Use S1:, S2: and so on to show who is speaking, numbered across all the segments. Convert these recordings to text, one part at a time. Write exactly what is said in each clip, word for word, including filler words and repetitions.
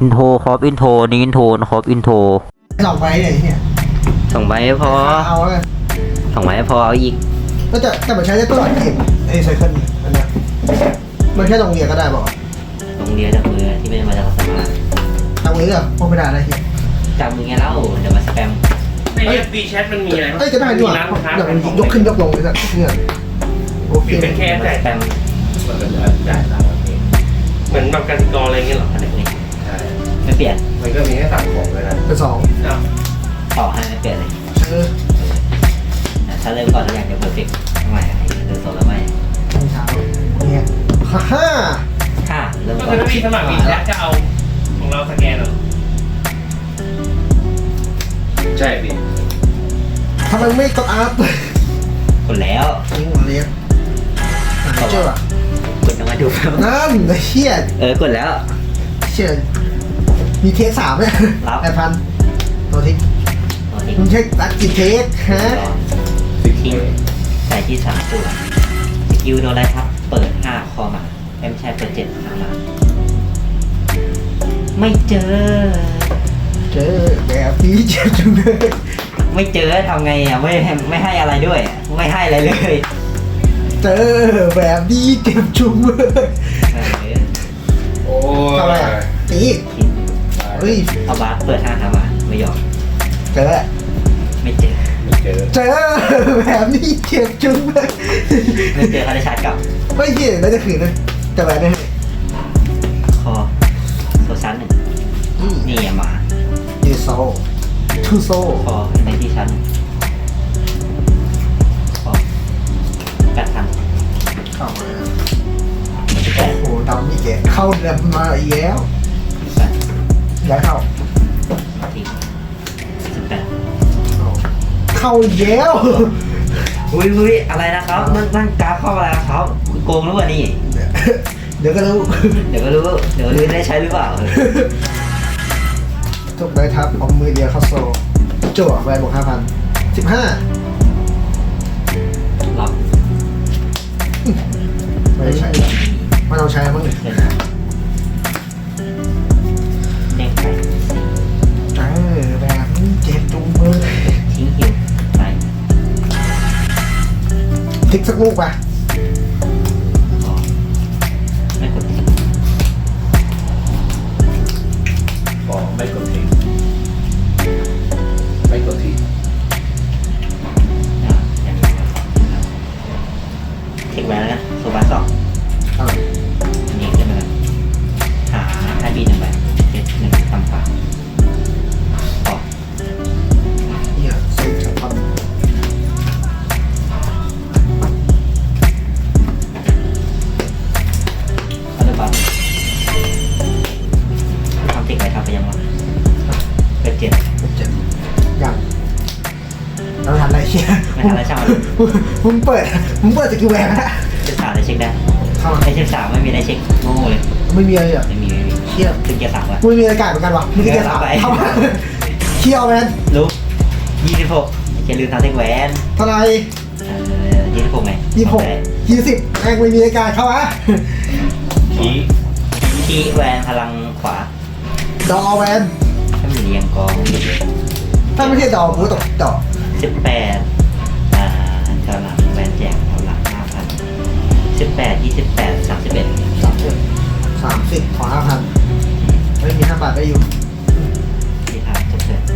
S1: อินโทรครอปอินโทรนี้อินโทรครอปอินโทร
S2: สองใบเนี่ยเนี่ย
S1: สองใบไม่พอ
S2: เอาแล้วกัน
S1: สองใบไม่พอเอาอีก
S2: ก็จะแต่มันใช้ได้ตลอดเกมไอ้ไซเคิลอันเนี้ยมันแค่ลงเรียนก็ได้บอก
S1: ลงเรียนจากมือที่ไม่ได้มาจากสมาร์ท
S2: ทำมือเหรอพวกไม่ได้อะไรเหี้ย
S1: จากมือไงเล่าเดี๋ยวมาสแปม
S3: ใน F B Chat มันมีอะไร
S2: เอ้ยจะได้ดีกว่า
S3: ร้านค้า
S2: เดี๋ยวมันยกขึ้นยกลงเลยสักเนี่ยโอเค
S3: เป็นแค่
S1: มา
S3: จ่าย
S1: สแปม
S3: มันก็จะจ่ายตามเองเหมือนแบบกสิกรอะไรเงี้ยเหรอ
S1: อะไรนี่
S3: ใช่
S1: ไม่เปลี่ยน
S3: มันก็มีให้สั่งของเลยนะ
S2: เป็นสอง
S3: อ้าว
S1: ต่อให้ไม่เปลี่ยนเลย
S2: เออ
S1: ถ้าเริ่มก่อนแล้วอยากจะเพอร์เฟกต์ทำไมเดินโซนแล้วไม่
S2: ตอนเช้าเนี่ยฮ่าฮ่า
S1: ห้าเริ่ม
S3: ก็
S1: ก่อ
S3: คือน ถ้ามีสมัคร B Chat จะเอาของเราสแกนเหรอใช่พี่
S2: ทำไมไม่กดอาร์ต
S1: กดแล้ว
S2: ยิงหัวเรียนเจ้าอ่ะ
S1: กดยังมาดู
S2: นั่นไอ้เชี่ย
S1: เออกดแล้ว
S2: เชี่ยมีเทสสามเนี่ย
S1: รับ
S2: แปดพันตัวทิ้ง
S1: โอเค
S2: มึงเช็คตัดกี่เทสฮะ
S1: ทิ้งใส่ที่สามตัวสกิลโดนอะไรครับ เปิดห้าคอมาเอ็มใช่เปิดเจ็ดหามาไม่เจอ
S2: เจอแบบนี้เจ็บจังเลย
S1: ไม่เจอทำไงอ่ะไม่ให้ไม่ให้อะไรด้วยอะไม่ให้อะไรเลย
S2: เจอแบบนี้เจ็บจุงเลย
S1: เออ
S3: โอ้
S2: ทำอะไรอ่ะตี
S1: คิด
S2: เฮ้ย
S1: เอาบาสเปิดห้าหามาไม่ยอม
S2: เจอ
S1: ไม่เจอ
S3: ไม่เจอ
S2: เจอแบบนี้เจ็บจุงเลย
S1: ไม่เจอเขาได้ชาร์จกลับ
S2: ไม่เหี้ยแล้วจะขืนเลยจะแบบนี้
S1: คอโซชั้นหนึ่ง
S2: นี่
S1: นี่อะหมา
S2: ยูโซทูโซ
S1: คอในที่ชั้นหนึ่งคอแปดพัน
S2: เข้ามา
S1: สิบแปด
S2: โอ้โหดำนี่แกเข้าเดือนมาอีกแล้ว
S1: สิบแปด
S2: ย้ายเข้า
S1: สี่สิบแปด
S2: เข้าอีกแล้ว
S1: อุ้ยอุ้ยอะไรนะครับนั่งนั่งกราฟเข้ามาแล้วครับโกงหรือเปล่านี่
S2: เดี๋ยวก็รู้
S1: เดี๋ยวก็รู้ เดี๋ยวก็รู้ได้ใช้หรือเปล่า
S2: ทุกใบทับเอามือเดียวเข้าโซจั่วใบบวกห้าพันสิบห้า
S1: รับ
S2: ไม่ได้ใช้ไม่ต้องใช้มั้ง
S1: เดินทางเด้งไป
S2: เออแบบนี้เจ็บจุงมือ
S1: ทิ้งหิวไป
S2: พลิกสักลูกไป
S1: ขอไม่กดทิ้ง
S3: ขอไม่กดทิ้งไม่กดทิ้ง
S1: อ่าอย่างนี้ครับเทคแวนแล้วนะโซบาสอง
S2: อ่า
S1: อันนี้ขึ้นมาแล้วหาไอบีหนึ่งใบเจ็ดหนึ่งทำฝาขอ
S2: เนี่ยสิบสามพัน
S1: อัลบั้มทำเทคไว้ทำไปยังวะเป็นเจ็ด
S2: เป็นเจ็ดยังเราทันอะไรเชี่ย
S1: ไม่ทันอะไรช่างมัน
S2: มึงเปิดมึงเปิดสกิลแหวนนะ
S1: เช็คสามได้เช็คได้
S2: เข้ามา
S1: ไอเช็คสามไม่มีได้เช็คโง่เลย
S2: ไม่มีอะไรอ่ะ
S1: ไม่มีไม่มี
S2: เชี่ย
S1: ถึงเกียร์สามวะ
S2: ไม่มีอากาศเหมือนกันวะมีแค่เกียร์สาม
S1: เออ
S2: เข้ามาเที่ยวแมน
S1: รู้ยี่สิบหกอย่าลืมทำเทคแวน
S2: เท่าไหร
S1: เอ่อยี่สิบหกไง
S2: ยี่สิบหกยี่สิบแม่งไม่มีอากาศเข้ามา
S3: ชี้
S1: ที่แวนพลังขวา
S2: ดอแวน
S1: ถ้ามันเรียงกอง
S2: ถ้าไม่ใช่ดอกูตกดอก
S1: สิบแปดอ่าเท่าหลังแวนแจกเท่าหลังห้าพันสิบแปดยี่สิบแปดสามสิบเอ็ด
S2: สามสิบสามสิบขอห้าพันไม่มีห้าบาทได้อยู่
S1: ที่ทางจบเลย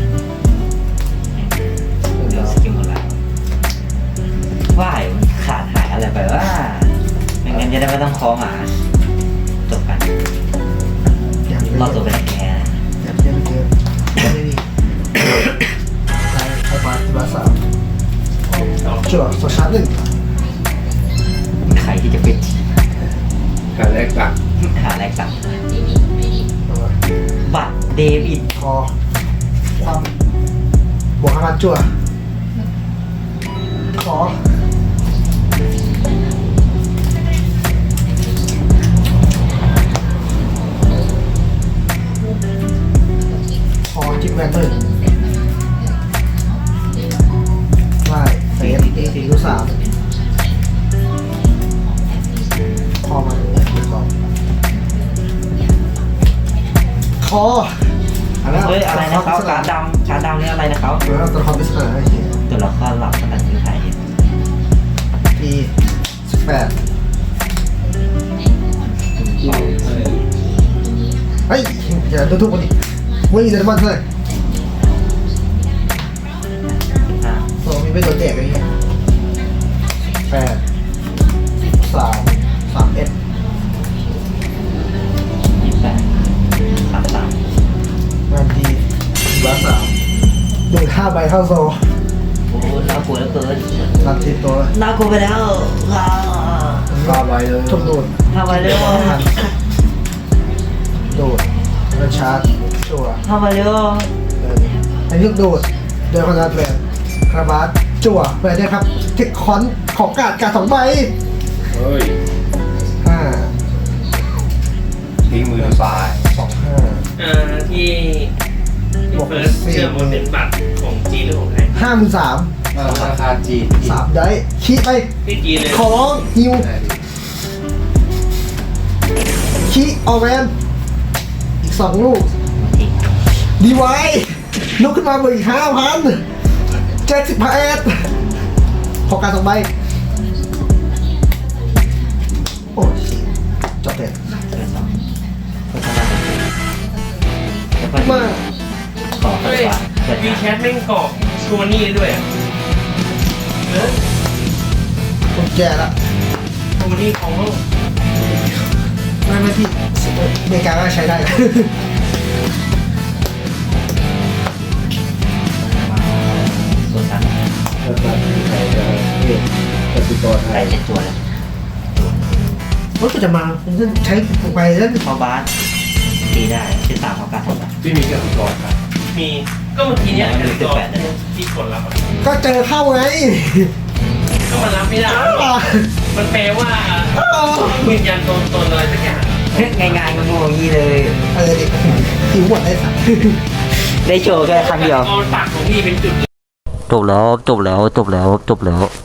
S1: เดี๋ยวสกิลหมดแล้วว่ายมันขาดหายอะไรไปว่าไม่งั้นจะได้ไม่ต้องคอหมาจบกัน
S2: อย่างนี้
S1: รอตัวไปได้แค่
S2: อย่างนี้ไม่เจอไม่มีได้ไอ้บาทบาทสามจั่วโซชาร์จหนึ่ง
S1: ใครที่จะเป็น
S3: การแรกหลัก
S1: หาแรกสั่ง
S2: เอาไว้
S1: บัตรเดบิต
S2: คอความบวกห้าพันจั่วขอขอจิ้มแวนหนึ่งได้เฟสสี่ลูกสามคอมาเนี่ยลูกสองขอออันนั้น
S1: เฮ้ยอะไรนะเขาการดำการดำนี่อะไรนะเขา
S2: เออตัวละครปริศนาไอ้เหี้ย
S1: ตัวละครหลักภาษาจีนไทยเนี่ย
S2: ทีสิบแปดเฮ้ยอย่าดูถูกคนดิวิ่งจะได้บ้านเท่าไหร่
S1: ห้า
S2: โอ้มีไม่โดนแจกอะไรเงี้ยแปดสามสามเอ็ด
S1: ยี่สิบแปดสามสาม
S2: งานดีบ้านสามโดนห้าใบเข้าโซ
S1: โอ้น่ากลัวเหลือเกิน
S2: รับทีตัว
S1: น่ากลัวไปแล้วอ่า
S2: ห้าใบเลยทุกโดด
S1: ทำไปเร็ว
S2: โดดแล้วชาร์จชัวร์
S1: ทำไปเร็ว
S2: เอออันนี้โดดโดยคอนดัตแวนคาราบาสจั่วไปได้ครับเทคคอนของกาดกาดสองใบ
S3: เฮ้ย
S2: ห้า
S4: ทิ้งมือทางซ้าย
S2: สองห้า
S3: อ่าที่ที่เฟิร์สเชื่อมันเป็นบัตรของจีนหรือของไทย
S2: ห้าหมื่นสาม
S4: ธนาคารจีน
S2: สามได้ขี้ไป
S3: ที่จีนเลย
S2: ขอร้องฮิวขี้ออแวนอีกสองลูก ดีไว้ลุกขึ้นมาเบอร์อีกห้าพันเจ็ดสิบเอ็ดขอการสองใบโอ้ยจบเด็ด
S1: เกินสองโฆษณาแล้วก็
S2: มา
S1: ขอเปิ
S3: เฮ้
S1: ด
S3: ย
S1: ว่าเปิด
S3: วี
S1: งาน
S3: แคทแม่งกรอกชัวนี่ด้วยอ่ะเออ
S2: ผมแก่ละ
S3: ชัวนี่ของโลก
S2: ไม่ไม่พี่อเมริกาก็ใช้ได้
S1: ตัวสั้น
S4: แล้วก็ใครจะเก็บกสิกรไท
S1: ใส่
S4: ย
S1: เจ็ดตัวเลย
S2: รถก็จะมาผมจะใช้ไปแล้ว
S1: พอบาสตีได้ที่สามของการทำแบบ
S4: ที่มีกสิกรครับ
S3: มีก็เมื่อกี้เนี่ยกันก่อนที่กดรับอะ
S2: ก็เจอเข้าไง
S3: ก็มันรับไม่ได้
S2: อ่ะ
S3: มันแปลว่ายืนยันตัวตนอะไรสักอย่าง
S1: ง่ายๆงงๆอย่างนี้เลย
S2: เออเด็กหิวหมดเลยสัตว์
S1: ได้โชว์แค่ครั้งเดียว
S3: เอาปากของพี่เป็นจุด
S1: จบแล้วจบแล้วจบแล้วจบแล้ว